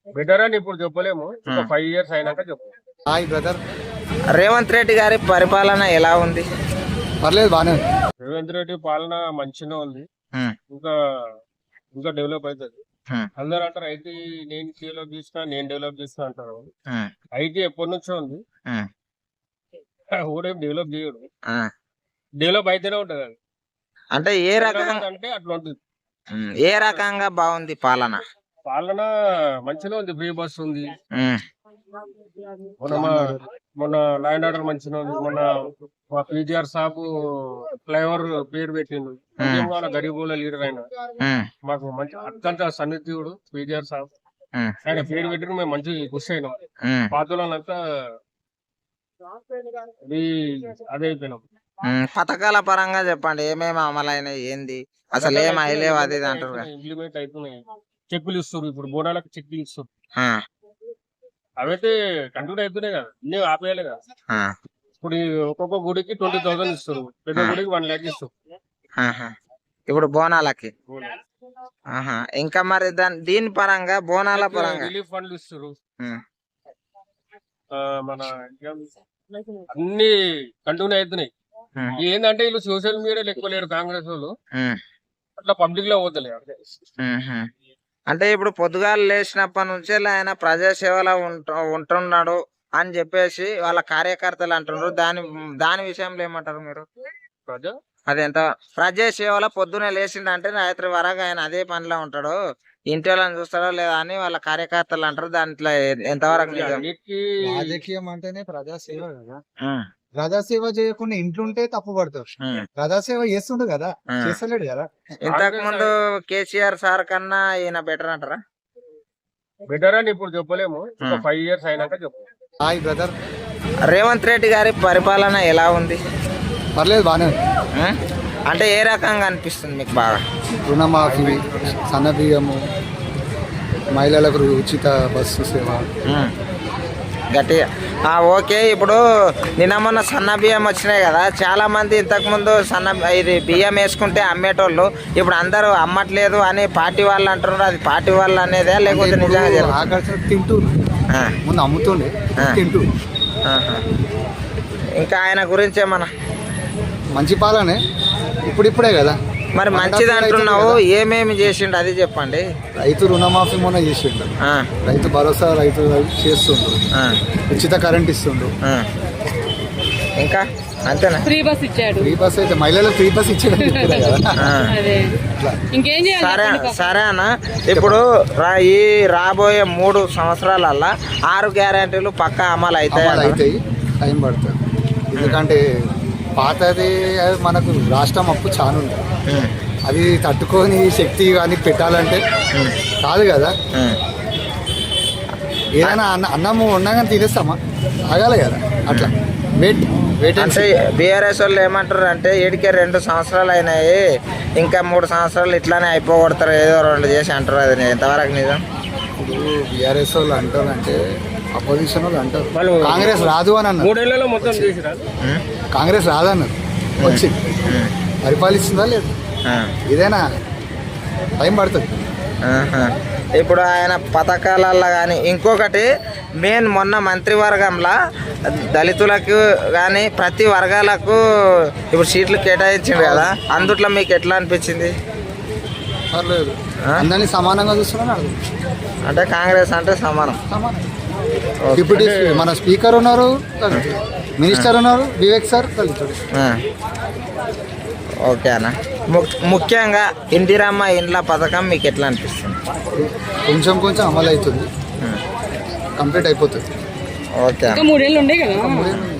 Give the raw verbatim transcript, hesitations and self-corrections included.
Better అని ఇప్పుడు చెప్పలేము, ఇంకా ఫైవ్ ఇయర్స్ అయినాక చెప్పు. Hi brother. రేవంత్ రెడ్డి గారి పరిపాలన ఎలా ఉంది? పర్లేదు, బానే ఉంది. రేవంత్ రెడ్డి పాలన మంచిగా ఉంది, ఉమ్, ఇంకా ఇంకా డెవలప్ అవుతుంది. ఉమ్, అందరూ అంటారు ఐటీ నేను డెవలప్ చేసిన నేను డెవలప్ చేసిన అంటారు. ఉమ్, ఐటీ ఎప్పటి నుంచో ఉంది, ఉమ్, ఊరేం డెవలప్ చేయడు, ఆ. డెవలప్ అయితేనే ఉంటది అది. అంటే ఏ రకంగా అంటే అట్లా ఉంటుంది. ఉమ్, ఏ రకంగా బాగుంది పాలన? పాలన మంచిగా ఉంది, ఫ్రీ బస్ ఉంది, ఉమ్, మొన్న మా- మొన్న ల్యాండ్ ఆర్డర్ మంచిగా ఉంది. మొన్న మా పీజీఆర్ సాబ్ ఫ్లైఓవర్ పేరు పెట్టిండు, ఉద్యమాల గరీబుల లీడర్ అయిన ఉమ్, మాకు మంచి అత్యంత సన్నిహితుడు పీజీఆర్ సాబ్. ఉమ్, ఆయన పేరు పెట్టిన మేము మంచి ఖుషి అయినాం. ఉమ్, పాతులంతా అది అదే అయిపోయినాం. ఉమ్. పథకాల పరంగా చెప్పండి, ఏమేమి అమలైనాయి, ఏంది అసలు ఏం అయ్యలేవు అది ఇది అంటారు కదా. ఇంప్లిమెంట్ అవుతున్నాయి, చెక్కులు ఇస్తారు, ఇప్పుడు బోనాలకు చెక్కులు ఇస్తారు. ఆ, అవైతే కంటిన్యూ అవుతున్నాయి కదా, ఇన్ని ఆపేయాలి కదా. ఆ, ఇప్పుడు ఈ ఒక్కొక్క గుడికి ట్వంటీ థౌసండ్ ఇస్తారు, పెద్ద గుడికి వన్ ల్యాక్ ఇస్తారు. ఆహా. ఇప్పుడు బోనాలకి ఆహా. ఇంకా మరి దాని దీని పరంగా బోనాల పరంగా రిలీఫ్ ఫండ్లు ఇస్తారు. ఉమ్, ఆ, మన ఇంకా అన్ని కంటిన్యూ అవుతున్నాయి. ఉమ్, ఏంటంటే వీళ్ళు సోషల్ మీడియాలో ఎక్కువ లేరు కాంగ్రెస్ వాళ్ళు, ఉమ్, అట్లా పబ్లిక్ లో పోతలే. ఉమ్. అంటే ఇప్పుడు పొద్దుగాలు లేచినప్పటి నుంచి ఆయన ప్రజాసేవలో ఉంటు ఉంటున్నాడు అని చెప్పేసి వాళ్ళ కార్యకర్తలు అంటున్నారు. దాని దాని విషయంలో ఏమంటారు మీరు? ప్రజా అదెంత ప్రజాసేవలో పొద్దునే లేచిండంటే రాత్రి వరకు ఆయన అదే పనిలో ఉంటాడు, ఇంటి వాళ్ళని చూస్తాడో లేదా అని వాళ్ళ కార్యకర్తలు అంటారు. దాంట్లో ఎంతవరకు నిజం? అన్నిటికీ రాజకీయం అంటేనే ప్రజాసేవ కదా. ఉమ్, ప్రజాసేవ చేయకుండా ఇంట్లుంటే తప్పు పడతారు. ఉమ్, ప్రజాసేవ చేస్తుండు కదా, ఉమ్. చేస్తలేడు కదా. ఇంతకు ముందు కేసీఆర్ సార్ కన్నా ఈయన బెటర్ అంటారా? బెటర్ అని ఇప్పుడు చెప్పలేము, ఇంకా ఉమ్. ఫైవ్ ఇయర్స్ అయినాక చెప్పు. Hi brother. రేవంత్ రెడ్డి గారి పరిపాలన ఎలా ఉంది? పర్లేదు, బానే ఉంది. ఉమ్, అంటే ఏ రకంగా అనిపిస్తుంది మీకు బాగా? రుణమాఫీ, సన్నబియ్యము, మహిళలకు ఉచిత బస్సు సేవ. ఉమ్, గట్టిగా ఆ, ఓకే. ఇప్పుడు నిన్న మొన్న సన్న బియ్యం వచ్చినాయి కదా, చాలా మంది ఇంతకుముందు సన్న ఇది బియ్యం వేసుకుంటే అమ్మేటోళ్ళు ఇప్పుడు అందరూ అమ్మట్లేదు అని పార్టీ వాళ్ళు అంటున్నారు. అది పార్టీ వాళ్ళు అనేదే లేకపోతే నిజంగా జరుగుతుందా? ఆకర్షణ తింటూ ఆ, ముందు అమ్ముతుండే, ఆ. తింటూ. ఆహా. ఇంకా ఆయన గురించి ఏమన్నా? మంచి పాలనే, ఇప్పుడిప్పుడే కదా. మరి మంచిది అంటున్నావు, ఏమేమి చేసిండు అది చెప్పండి. రైతు రుణమాఫీ మొన్న చేసిండు, ఆ, రైతు భరోసా రైతు చేస్తుండ్రు, ఆ, ఉచిత కరెంట్ ఇస్తుండ్రు. ఆ. ఇంకా అంతేనా? ఫ్రీ బస్ ఇచ్చాడు. ఫ్రీ బస్ అయితే మహిళలకు ఫ్రీ బస్ ఇచ్చాడని చెప్తున్నా కదా. ఆ. అదే అట్లా ఇంకేం చేయాలి సరే చెప్పండి పాపం. సరే అన్న, ఇప్పుడు రా- ఈ రాబోయే మూడు సంవత్సరాలల్లా ఆరు గ్యారెంటీలు పక్కా అమలు అవుతాయి అమలు అంటారా? అవుతాయి, టైం పడుతుంది. ఎందుకంటే పాతది అది మనకు రాష్ట్రం అప్పు చాలా ఉంది, ఉమ్, అది తట్టుకొని శక్తి కానీ పెట్టాలంటే కాదు కదా. ఉమ్. ఏదైనా అన్న అన్నము ఉన్నా కానీ తినేస్తామా, ఆగాలి కదా. అట్లా వెయిట్ వెయిట్ అంటే బీఆర్ఎస్ వాళ్ళు ఏమంటారు అంటే ఏడికే రెండు సంవత్సరాలు అయినాయి, ఇంకా మూడు సంవత్సరాలు ఇట్లానే అయిపోగొడతారు ఏదో రెండు చేసి అంటారు. అది ఎంతవరకు నిజం? ఇప్పుడు బీఆర్ఎస్ వాళ్ళు అంటారు అంటే అపోజిషన్ వాళ్ళు అంటారు వాళ్ళు కాంగ్రెస్ రాదు అని అన్నారు. మూడేళ్లలో మొత్తం చేసిరా. ఉమ్, కాంగ్రెస్ రాదన్నారు, వచ్చింది, ఉమ్, పరిపాలిస్తుందా లేదు. ఆ, ఇదేనా టైం పడుతుంది. ఆహా. ఇప్పుడు ఆయన పథకాలల్లో కానీ ఇంకొకటి మెయిన్ మొన్న మంత్రివర్గంలో దళితులకు కానీ ప్రతి వర్గాలకు ఇప్పుడు సీట్లు కేటాయించింది కదా, అందుట్లో మీకు ఎట్లా అనిపించింది? పర్లేదు, ఆ? అందరినీ సమానంగా చూస్తున్నాను అర్థం. అంటే కాంగ్రెస్ అంటే సమానం. సమానం. డిప్యూటీ స్పీ- మన స్పీకర్ ఉన్నారు దళితుడు, మినిస్టర్ ఉన్నారు వివేక్ సార్ దళితుడు. ఆ. ఓకే అన్న. ము- ముఖ్యంగా ఇందిరమ్మ ఇండ్ల పథకం మీకు ఎట్లా అనిపిస్తుంది? కొంచెం కొంచెం అమలు అవుతుంది, ఉమ్. కంప్లీట్ అయిపోతుంది. ఓకే ఇంకా అన్న. మూడేళ్ళు ఉండే కదా. మూడేళ్ళు